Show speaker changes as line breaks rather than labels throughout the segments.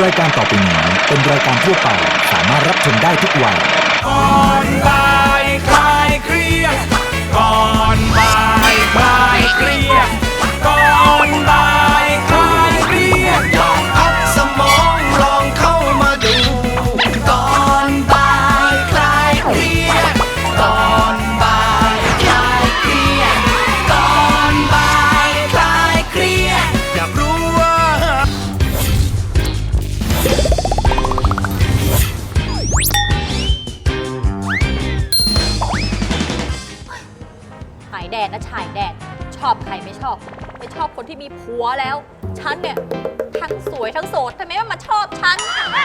รายการต่อไปนี้เป็นรายการทั่วไปสามารถรับชมได้ทุกวัย
ก่อนบ่ายคลายเครียดก่อนบ่ายคลายเครียดก่อนบ่ายคลายเครียดลองพักสมองลองเข้ามาดูก่อนบ่ายคลายเครียดก่อนบ่ายคลายเครียดก่อนบ่ายคลายเครียดอยากรู้ว่า
ฉายแดดนะฉายแดดชอบใครไม่ชอบไม่ชอบคนที่มีผัวแล้วฉันเนี่ยทั้งสวยทั้งโสดทำไมมาชอบฉัน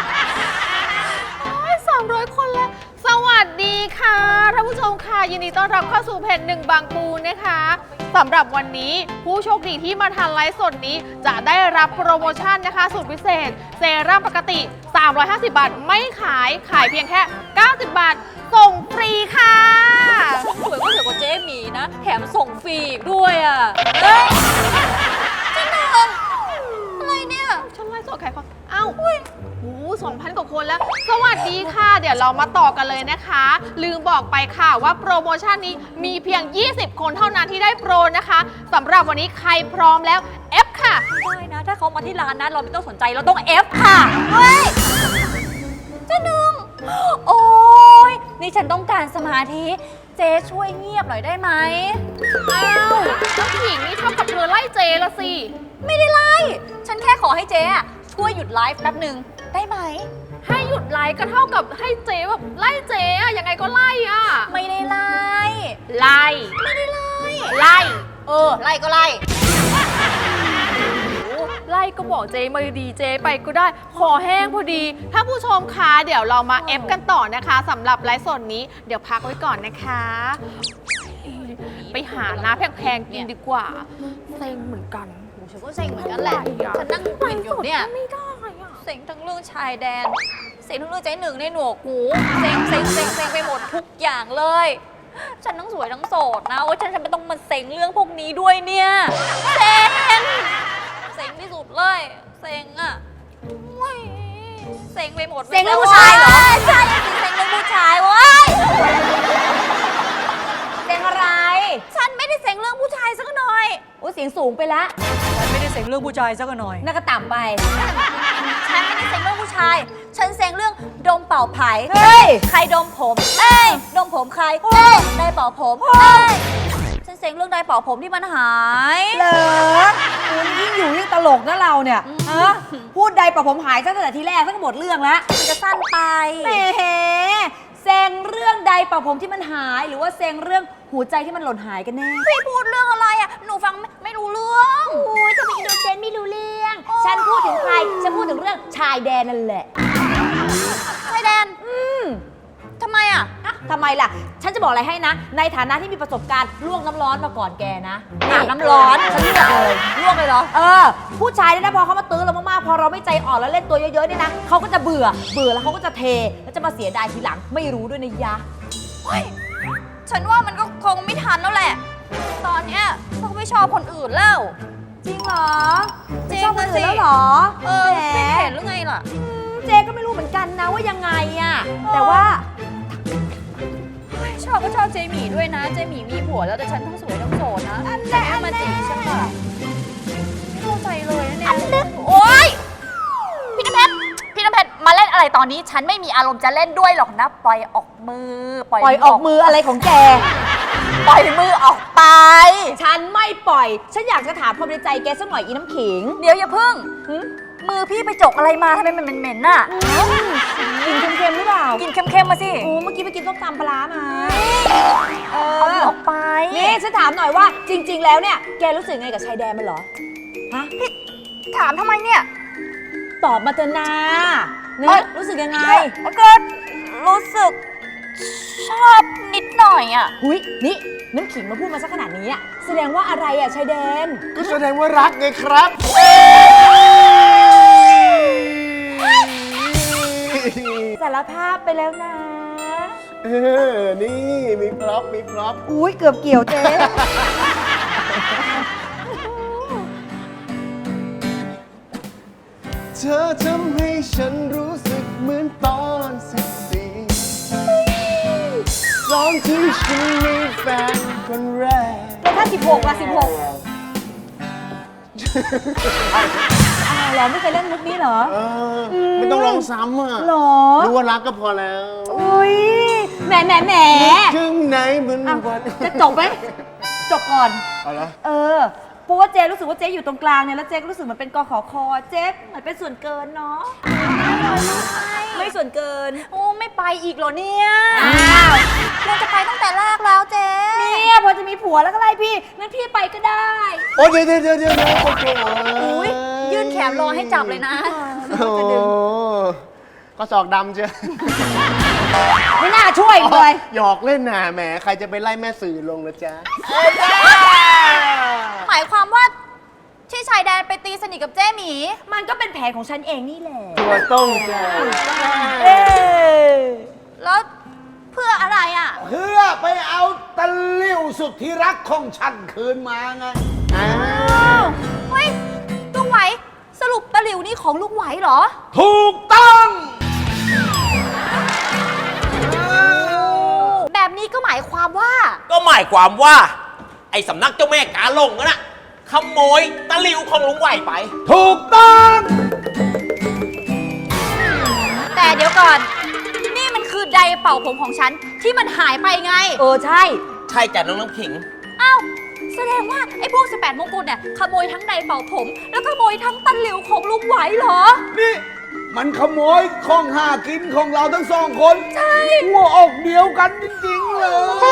300 คนแล้วสวัสดีค่ะท่านผู้ชมค่ะยินดีต้อนรับเข้าสู่เพจหนึ่งบางปูนะคะสำหรับวันนี้ผู้โชคดีที่มาทันไลฟ์สดนี้จะได้รับโปรโมชั่นนะคะสูตรพิเศษเซรั่มปกติ350 บาทไม่ขายเพียงแค่90 บาทส่งฟรีค่ะ
สวยก็สวยกว่าเจ๊หมีนะแถมส่งฟรีอีกด้วยอ่ะเฮ้ยจริงเหรออะไรเนี่ย
ฉันไลฟ์สดใครฟังอ้าว2,000 กว่าคนแล้วสวัสดีค่ะเดี๋ยวเรามาต่อกันเลยนะคะลืมบอกไปค่ะว่าโปรโมชั่นนี้มีเพียง20 คนเท่านั้นที่ได้โปรนะคะสำหรับวันนี้ใครพร้อมแล้ว F ค่ะ
ได้นะถ้าเขามาที่ร้านนะเราไม่ต้องสนใจเราต้อง F ค่ะเฮ้ยเจ๊หนึ่งโอ้ยนี่ฉันต้องการสมาธิเจ๊ช่วยเงียบหน่อยได้ไหม
อ้าวน้องหญิงนี่เท่ากับเธอไล่เจละสิ
ไม่ได้ไล่ฉันแค่ขอให้เจ๊ช่วยหยุดไลฟ์แป๊บหนึ่งได้ไหม
ให้หยุดไลฟ์ก็เท่ากับให้เจ๊แบบไล่เจ๊อะยังไงก็ไล่อะ
ไม่ได้ไล่
ไล่
ไม่ได้ไล่
ไล่
ไล่ก็ไล่
ไล่ก็บอกเจ๊มาดีเจ๊ไปก็ได้ขอแห้งพอดีถ้าผู้ชมคะเดี๋ยวเรามาเอฟกันต่อนะคะสำหรับไลฟ์สดนี้เดี๋ยวพักไว้ก่อนนะคะไปหาน้ำแพงๆกินดีกว่าเซ็งเหมือนกัน
ฉันก็เซ็งเหมือนกันแหละฉันนั่งกินอยู่เนี่ย
ไม่ได้
เซ็งทั้งเรื่องชายแดนเซ็งทั้งเรื่องเจ๊หนึ่งในหนวกหูเซ็งไปหมดทุกอย่างเลยฉันทั้งสวยทั้งโสดนะโอ้ยฉันไม่ต้องมาเซ็งเรื่องพวกนี้ด้วยเนี่ยเซ็งที่สุดเลยเซ็งอะเซ็งไปหมด
เซ็งเรื่องผู้ชายเหรอ
ใช่เซ็งเรื่องผู้ชายเว้ย
เซ็งอะไร
ฉันไม่ได้เซ็งเรื่องผู้ชายสักหน่อย
โอ้เสียงสูงไปละ
ฉันไม่ได้เซ็งเรื่องผู้ชายสักหน่อย
น่าก็ต่ำไป
ฉันไม่ได้เซ็งเรื่องผู้ชายฉันเซ็งเรื่องดมเป่าไผ่ใครดมผมดมผมใครได้เป่าผมฉันเซ็งเรื่องได้เป่าผมที่มันหาย
เหรอคุณยิ่งอยู่ยิ่งตลกนะเราเนี่ยฮะพูดใดเป่าผมหายตั้งแต่ทีแรกตั้งหมดเรื่องแล้ว
มันจะสั้นไป
แหมเซ็งเรื่องใดเป่าผมที่มันหายหรือว่าเซ็งเรื่องหัวใจที่มันหล่นหายกันแน่
พี่พูดเรื่องอะไรอ่ะหนูฟังไม่รู้เรื่อง
โอ้ยจะไปอินโดเจนไม่รู้เรื่องฉันพูดถึงใครฉันพูดถึงเรื่องชายแดนนั่นแหละ
ชายแดนทำไมอ่ะ
ทำไมล่ะฉันจะบอกอะไรให้นะในฐานะที่มีประสบการณ์ลวกน้ำร้อนมาก่อนแกนะอาบน้ำร้อนฉันลวกเลยเหรอผู้ชายเนี่ยนะพอเขามาตื้อเรามากๆพอเราไม่ใจอ่อนแล้วเล่นตัวเยอะๆเนี่ยนะเขาก็จะเบื่อแล้วเขาก็จะเทแล้วจะมาเสียดายทีหลังไม่รู้ด้วยนะยะ
เฮ้ยฉันว่ามันก็คงไม่ทันแล้วแหละตอนเนี้ยเขาไม่ชอบคนอื่นแล้ว
จริงเหรอ
จริง
ชอบคนอื่นแล้วเหรอ
ไม่เห็นหรือไงล่ะ
เจ๊ก็ไม่รู้เหมือนกันนะว่ายังไงอะแต่ว่า
ชอบก็ชอบเจหมี่ด้วยนะเจหมี่มีผัวแล้วแต่ฉันทั้งสวยทั้งโสดนะแต่ไม่มาจีบฉันแบบไม่เข้าใจเลยนะเนี่ยโอ๊ยพี่น้ำเพชรมาเล่นอะไรตอนนี้ฉันไม่มีอารมณ์จะเล่นด้วยหรอกนะปล่อยออกมือ
ปล่อยออกมืออะไรของแก
ปล่อยมือออกไป
ฉันไม่ปล่อยฉันอยากจะถามความในใจแกสักหน่อยอีน้ำขิง
เดี๋ยวอย่าพึ่งมือพี่ไปจกอะไรมาทำไมมันเหม็นๆน่ะ
กินเค็มๆหรือเปล่า
กินเค็มๆมาสิ
โอ้เมื่อกี้ไปกินต้มตำปลามา
เอาออกไป
นี่ฉันถามหน่อยว่าจริงๆแล้วเนี่ยแกรู้สึกไงกับชายแดนมันเหรอฮะ
พี่ถามทำไมเนี่ย
ตอบมาเถอะนาเนี่ยรู้สึกยังไง
ก็รู้สึกชอบนิดหน่อยอ่ะ
หุยนี่น้ำขิงมาพูดมาสักขนาดนี้อ่ะแสดงว่าอะไรอ่ะชายแดน
ก็แสดงว่ารักไงครับ
สารภาพไปแล้วนะ
นี่มีพร็อพ
อุ้ยเกือบเกี่ยวเจ๊
เธอทำให้ฉันรู้สึกเหมือนตอน14ตอนที่ฉันมีแฟนคนแรก
แล้วถ้า16ล่ะ16อ้าวเหรอไม่เคยเล่นมุกนี้เหรอ
ไม่ต้องร้องซ้ำอ่ะ
เหรอ
รู้ว่ารักก็พอแล้ว
อุ้ยแหม
ข้างในเหมือน
อ้าว
วัน
จะจบไหมจบก่อน
เอาละ
เพราะว่าเจ๊รู้สึกว่าเจ๊อยู่ตรงกลางเนี่ยแล้วเจ๊ก็รู้สึกเหมือนเป็นกขคเจ๊เหมือนเป็นส่วนเกินเนาะไม่ส่วนเกิน
โอ้ไม่ไปอีกเหรอเนี่ย
อ้าว
เราจะไปตั้งแต่แรกแล้วเจ๊
เนี่ยพอจะมีผัวแล้วก็ไล่พี่งั้นพี่ไปก็ได้
โอ้เดี๋ยวโอ้โห
อุ้ยยื่นแขนรอให้จับเลยนะ
โอ้โหก็ศอกดำเชียว
ไม่น่าช่วยเลย
หยอกเล่นน่ะแหมใครจะไปไล่แม่สื่อลงนะจ๊ะ
หมายความว่าที่ชายแดนไปตีสนิทกับเจ๊หมี
มันก็เป็นแผนของฉันเองนี่แหละ
ตัวต้งจ้ะ
เอ๊ะ
แล้วเพื่ออะไรอ่ะ
เพื่อไปเอาตะลิ่วสุดที่รักของฉันคืนมาไง
อ้า
อ้าว วเฮ้ยลุงไหวสรุปตะหลิวนี่ของลุงไหวเหรอ
ถูกต้อง
แบบนี้ก็หมายความว่า
ก็หมายความว่า ไอ้สำนักเจ้าแม่กาหลงนั่นน่ะขโมยตะหลิวของลุงไหวไป
ถูกต้อง
แต่เดี๋ยวก่อน นี่มันคือไดร์เป่าผมของฉันที่มันหายไปไง
ใช่
ใช่จ้ะน้องน้ำขิง
อ้าวแสดงว่าไอ้พวก18มงกุฎเนี่ยขโมยทั้งไดร์เป่าผม แล้วขโมยทั้งตะหลิวของลุงไหวเหรอ
นี่ มันขโมยของหากินของเราทั้งสองคน ใช่หัวอกเดียวกันจริงๆเลย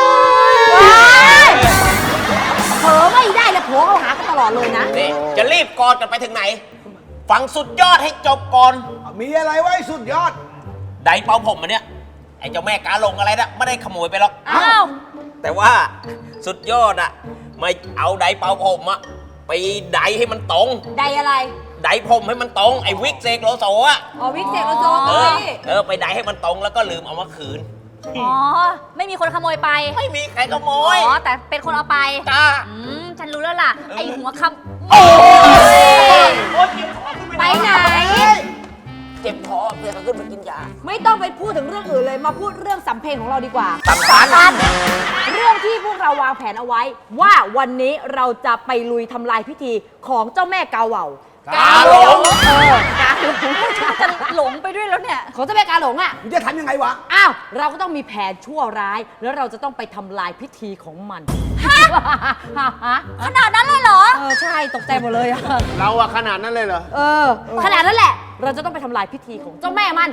เผลอไม่ได้เลยโผล่เขาหากันตลอดเลยนะ
นี่จะรีบกอดกันไปถึงไหน ฟังสุดยอดให้จบก่อน
มีอะไรไว้สุดยอด
ไดเป่าผมมันเนี่ย ไอ้เจ้าแม่กาหลงอะไรนะไม่ได้ขโมยไปหรอก
อ้าว
แต่ว่าสุดยอดอะไม่เอาไดเป่าผมอะไปไดให้มันตรง
ไดอะไร
ไดผมให้มันตรง ไอ้วิกเซกโลโซอะ
อ๋อวิกเซกโลโซ
ไปไดให้มันตรงแล้วก็ลืมเอามาคืน
อ๋อ ไม่มีคนขโมยไป
ไม่มีใครขโมย
อ๋อ แต่เป็นคนเอาไป
จ้า
ฉันรู้แล้วล่ะ ไอหัวคำ
โอ้ย
ไปไหน
เจ็บคอเพื่อนขึ้นมากินยา
ไม่ต้องไปพูดถึงเรื่องอื่นเลยมาพูดเรื่องสำเพ็งของเราดีกว่า
สำคัญ
เรื่องที่พวกเราวางแผนเอาไว้ ว่าวันนี้เราจะไปลุยทำลายพิธีของเจ้าแม่กาเหว่าก
าหลง
กาหลง
จะหลงไปด้วยแล้วเนี่ย
ของเจ้าแม่กาหลงอ่ะ
มึงจะทำยังไงวะ
อ้าวเราก็ต้องมีแผนชั่วร้าย แล้วเราจะต้องไปทำลายพิธีของมัน
ขนาดนั้นเลยเหรอ
ใช่ตกใจหมดเลยอะ
เราอะขนาดนั้นเลยเหรอ
ขนาดนั้นแหละ เราจะต้องไปทำลายพิธีของเจ้าแม่มัน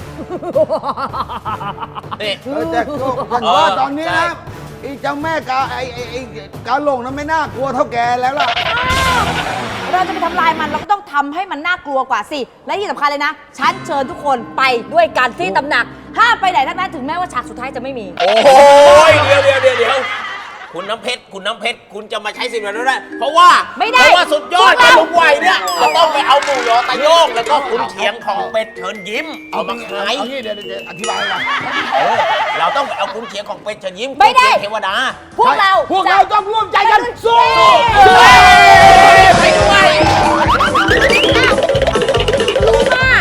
นี่
แต่ก็ผมว่าตอนนี้
ใช่
นะไอ้เจ้าแม่กาไอ้กาหลงนั้นไม่น่ากลัวเท่าแกแล้วล่ะ
เราจะไปทำลายมันเราก็ต้องทำให้มันน่ากลัวกว่าสิ และที่สำคัญเลยนะ ฉันเชิญทุกคนไปด้วยกันที่ตำหนัก ห้ามไปไหนทั้งนั้นถึงแม้ว่าฉากสุดท้ายจะไม่มี
โอ้ยเดี๋ยวคุณน้ำเพชรคุณจะมาใช้สิทธิ์แบบนั้นได้เพราะว่า
ไม่ได้
เพราะว่าสุดยอด
พวกเรา
ลุงไหวเนี่ยเราต้องไปเอาหมูยอตะโยงแล้วก็คุณเฉียงของเป็ดเชิญยิ้มเอามาขาย
เอางี้เดี๋ยวอธิบายกัน
เราต้องไปเอาคุณเฉียงของเป็ดเชิญยิ้ม
ไม่ได้
เทวดา
พวกเรา
พวกเราต้องร่วมใจกันสู้
ไปด้วย
รู้มาก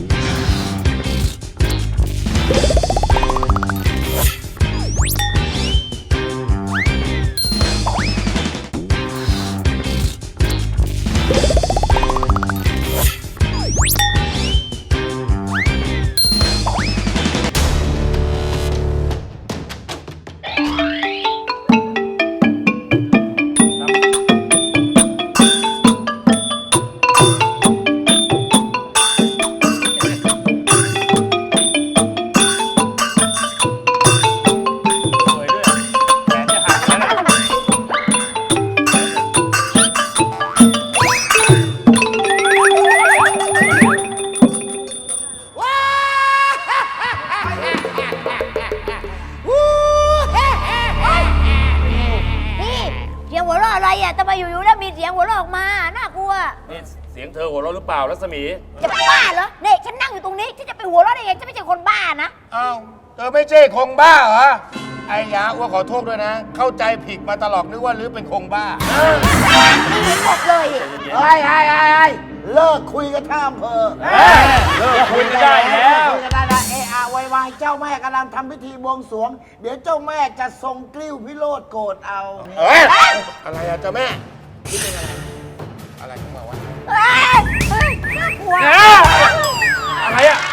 นี่เสียงหัวเราะอะไรอ่ะทำไมอยู่ๆแล้วมีเสียงหัวเราะออกมา น่ากลัว
นี่เสียงเธอหัวเราะหรือเปล่ารัศมี
จะบ้าเหรอเนี่ยฉันนั่งอยู่ตรงนี้ที่จะไปหัวเราะได้ไงฉันไม่ใช่คนบ้านะ
อ้าวเธอไม่ใช่คงบ้าเหรอ ไอ้ยาอ้วขอโทษด้วยนะ เข้าใจผิดมาตลอดนึกว่าลือเป็นคงบ้า
หมดเลย
ไอ้
เลิกคุยกันท่าอำเภอ
เลิกคุยกันได้แล้ว
คุยกันได้แล้ววายเจ้าแม่กำลังทำพิธีบวงสรวง เดี๋ยวเจ้าแม่จะทรงกลิ้วพิโรธโกรธเอา
เอ้ยอะไรอะเจ้าแม่คิดเป็นอะไรอะไรขึ้นมาวะ
น่ากลัว
อะไรอ่ะ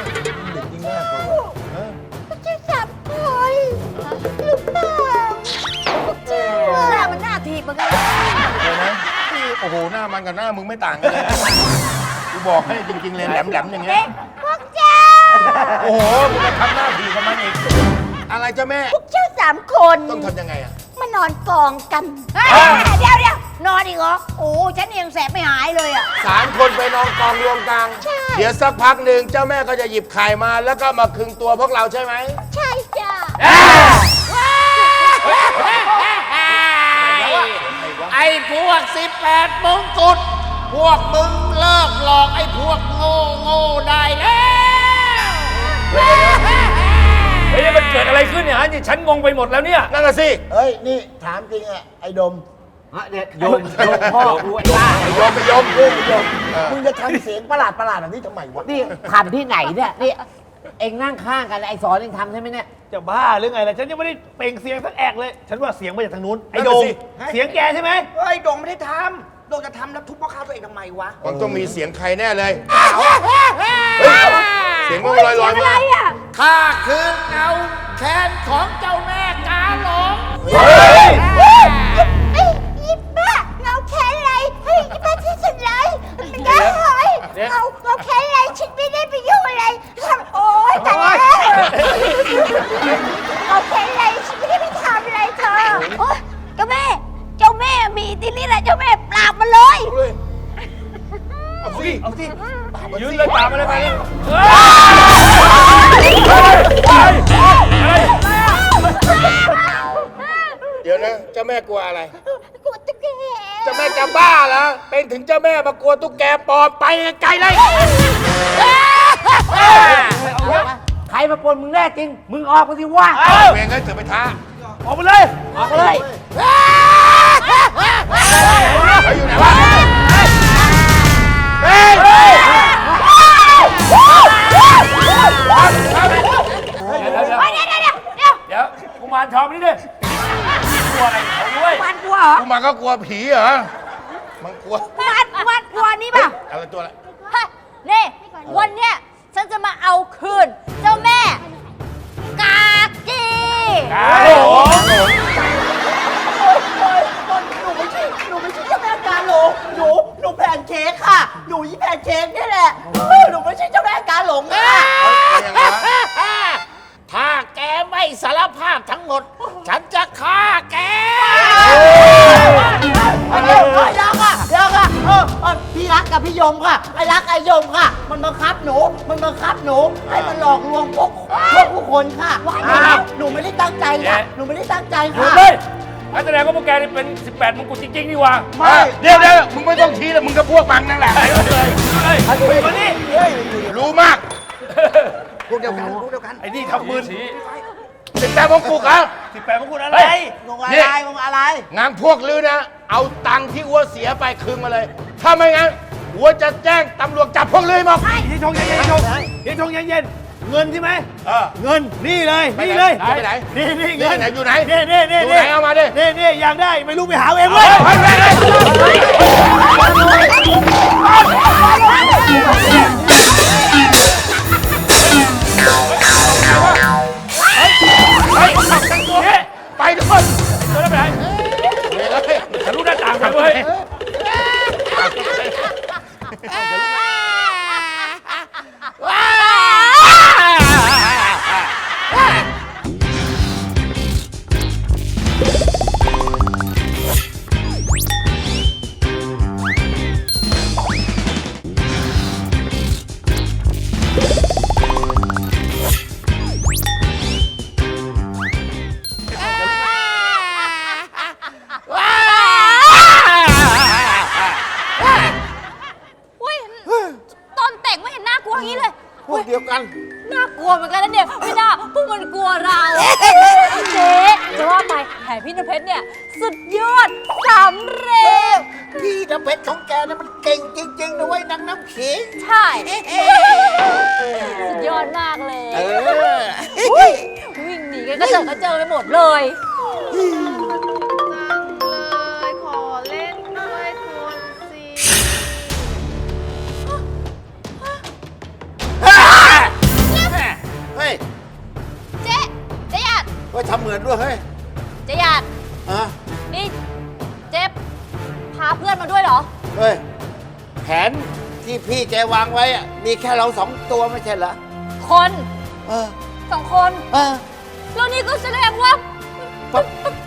จะจับคนหรือเปล่าหน้ามันหน้าทีบเหมือนกัน
เดี๋ยวนะโอ้โหหน้ามันกับหน้ามึงไม่ต่างกันเลยกูบอกให้จริงๆเลยแหลมๆอย่างเงี้ย
พวกเจ้า
โอ้โหมึงจะทำหน้าดีกับมันอีกอะไรเจ้าแม่
พวกเจ้า3 คน
ต้องทำยังไงอะ
มานอนกองกันเดี๋ยวนอนอีกเหรอโอ้ฉันยังแสบไม่หายเลยอ่ะ
3 คนไปนอนกองรวมกลาง
ใช่
เดี๋ยวสักพักหนึ่งเจ้าแม่ก็จะหยิบไข่มาแล้วก็มาคึงตัวพวกเราใช่ไหม
ใช่จ้า
ไอ้พวก18 มงกุฎพวกมึงเลิกหลอกไอ้พวกโง่ได้แล้ว
เฮ้ยมันเกิดอะไรขึ้นเนี่ยฮะนี่ฉันงงไปหมดแล้วเนี่ย
นั่นน่ะสิ
เฮ้ย นี่ถามจริงอะไอ้ดม
โยมพ่อกูไอ้บ้า
ไอ้ยมไปยม
มึงจะทำเสียงประหลาดแบบนี้ทำไมวะ
นี่ทำที่ไหนเนี่ยนี่เองนั่งข้างกันไอ้สอนเองทำใช่ไหมเนี่ย
จะบ้าหรือไงล่ะ ฉันยังไม่ได้เปล่งเสียงสักแอกเลย ฉันว่าเสียงมาจากทางนู้น ไอ้
นั่น
โด
น่ะ
ง
สิ
เสียงแกใช่ไหม
เฮ้ยดงไม่ได้ทำดงจะทำแล้วทุบพ่อข้าตัวเองทำไมวะ
มันต้องมีเสียงใครแน่เลยเฮ้ยเสียงมันลอยๆมา
ข้าคือเงาแค้นของเจ้าแม่กาหลง
ไอ้ยิบบ้าเงาแค้นอะไรเฮ้ยยิบบ้าที่สุดเลยได้เลยเงาแค้นอะไรฉันไม่ได้ไปยุ่งอะไรโอ๊ยตายแล้วเงาแค้นอะไรฉันไม่ได้ไปทำอะไรเธอโอ๊ยเจ้าแม่มีที่นี่แหละเจ้าแม่ปราบมันเลย
เอาสิ
เอาสิยืนเลยตามมาเลยไปเลย
เดี๋ยวนะเจ้าแม่กลัวอะไร
กลัวตุ๊กแก
เจ้าแม่จะบ้าเหรอเป็นถึงเจ้าแม่มากลัวตุ๊กแกปลอมไปไกลเลย
ใครมาปนมึงแน่จริง มึงออกมาสิว่า
เวงเอ้ยเถือไปท้า
ออกไปเลย
ออกมาเลย
เขาอยู่ไหนวะเฮ้ย
เดี๋ยวกุมารทองนี่ดิกลัวอะไรเขาด้วย
มันกลัวเหรอ
กูมาก็กลัวผีเหรอมันกลัว
มันกลัวนี่ป่ะ
อะไรตัวอะไร
ฮะนี่วันเนี้ยฉันจะมาเอาคืน เจ้าแม่ กากี
กาหลง
หนูไม่ใช่เจ้าแม่กาหลงหนูแพนเค้กค่ะ หนูยี่แพนเค้กนี่แหละ หนูไม่ใช่เจ้าแม่กาหลงค่ะ
ยังไงวะ
ถ้าแกไม่สารภาพทั้งหมด ฉันจะฆ่าแก
เดี๋ยวค่ะพี่รักกับพี่ยมค่ะ ไอ้รักไอ้ยมค่ะ มันบังคับหนู ให้มันหลอกลวงพวกผู้คนค่ะหนูไม่ได้ตั้งใจค่ะ หนูไม่ได้ตั้งใจ
หยุด
ค่ะ
เลยงั้นแสดงว่าพวกแกนี่เป็น 18 มงกุฎจริงๆนี่หว่า
เดี๋ยวมึงไม่ต้องชี้แล้วมึงก็พวกมันนั่นแหละ
เฮ้ยมานี่
รู้มาก
พวกเดียวกัน
ไอ้นี่ทำมือชี้
18 มงกุฎครับ
18 มงกุฎอะไร
งงอะไร
งานพวกลือนะ เอาตังค์ที่อัวเสียไปคืนมาเลย ถ้าไม่งั้นอัวจะแจ้งตำรวจจับพวกลือหมด
เย็นชงเย็นเย็นชงเย็นชงเย็นเย็นเงินใช่ไหม เงินนี่เลย
ไป
นี่
ไหน
เลย
ไปไหน
นี่เงิน
อยู่ไหน
นี่
อยู่ไหนเอามาดิ
นี่อยากได้ไม่รู้ไปหาเองเลย
ไปด้วย
ตัวนั้นไปไหนทะลุหน้าต่างไปเว้ย
อุ้ยตอนแต่งไม่เห็นน่ากลัวอย่างนี้เลย
พวกเดียวกัน
น่ากลัวเหมือนกันนะเนี่ยไม่น่าพวกมันกลัวเราเจ๊จะว่าไปแผนพี่น้ำเพชรเนี่ย สุดยอดสำเร็จ
พี่น้ำเพชรของแกนะมันเก่งจริงๆนะเว้ยนางน้ำขิง
ใช่ สุดยอดมากเลย วิ่งหนีกันก็เจอไปหมดเลย
เลยขอเล่นด้วยคนสิ
เฮ้ย
เจ๊หยาด
เฮ้ยทำเหมือนด้วยเฮ้ย
เจ๊หยาด
อ่ะ
นี่เจ๊พาเพื่อนมาด้วยเหรอ
เฮ้ยแผนที่พี่แกวางไว้อะมีแค่เรา2 ตัวไม่ใช่เหรอ
คน
เออ
2 คน
เออ
แล้วนี่ก็แสดงว่า
ปั๊บ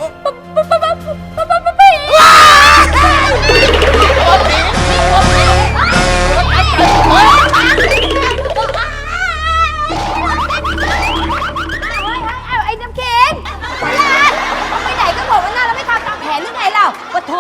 ไอ้น้ำเค็งไปไหนก็บอกว่าหน้าเราไม่ทำตามแผนหรือไงเราปะโถ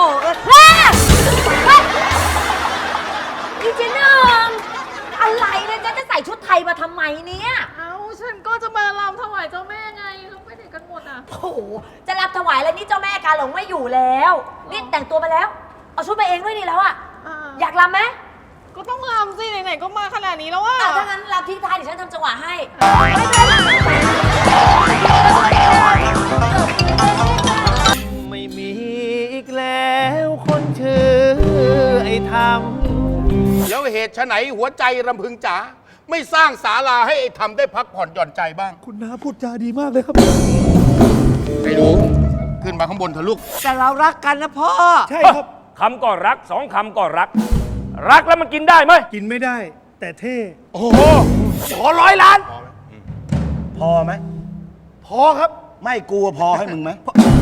พี่เจนึงอะไรเนี่ยจะใส่ชุดไทยมาทำไมเนี่ย
เอ้าฉันก็จะมารำถวายเจ้าแม่ไงเขาไปไหนกันหมดอ่ะ
โอ้โหจะรับถวายอะไรนี่เจ้าแม่กาหลงไม่อยู่แล้วนี่แต่งตัวมาแล้ว เอาชุดมาเองด้วยนี่แล้วอะอยากรำไหม
ก็ต้องรำสิไหนๆก็มาขนาดนี้แล้วอ่ะ
ถ้างั้นรำทิ้งท้ายเดี๋ยวฉันทำจังหวะให้
ไม่มีอีกแล้วคนชื่อไอ้ทำ
แล้วเหตุไฉนหัวใจรำพึงจ๋าไม่สร้างศาลาให้ไอ้ทำได้พักผ่อนหย่อนใจบ้าง
คุณน้าพูดจาดีมากเลยครับ
ไอ้หนูขึ้นมาข้างบนเถอะลูก
แต่เรารักกันนะพ่อ
ใช่ครับ
คำก็รัก2 คำก็รัก รักแล้วมันกินได้ไหม
กินไม่ได้ แต่เท่
โอ้โหขอ100 ล้าน
พอไหม
พอครับ
ไม่กลัวพอให้มึงไหม
พ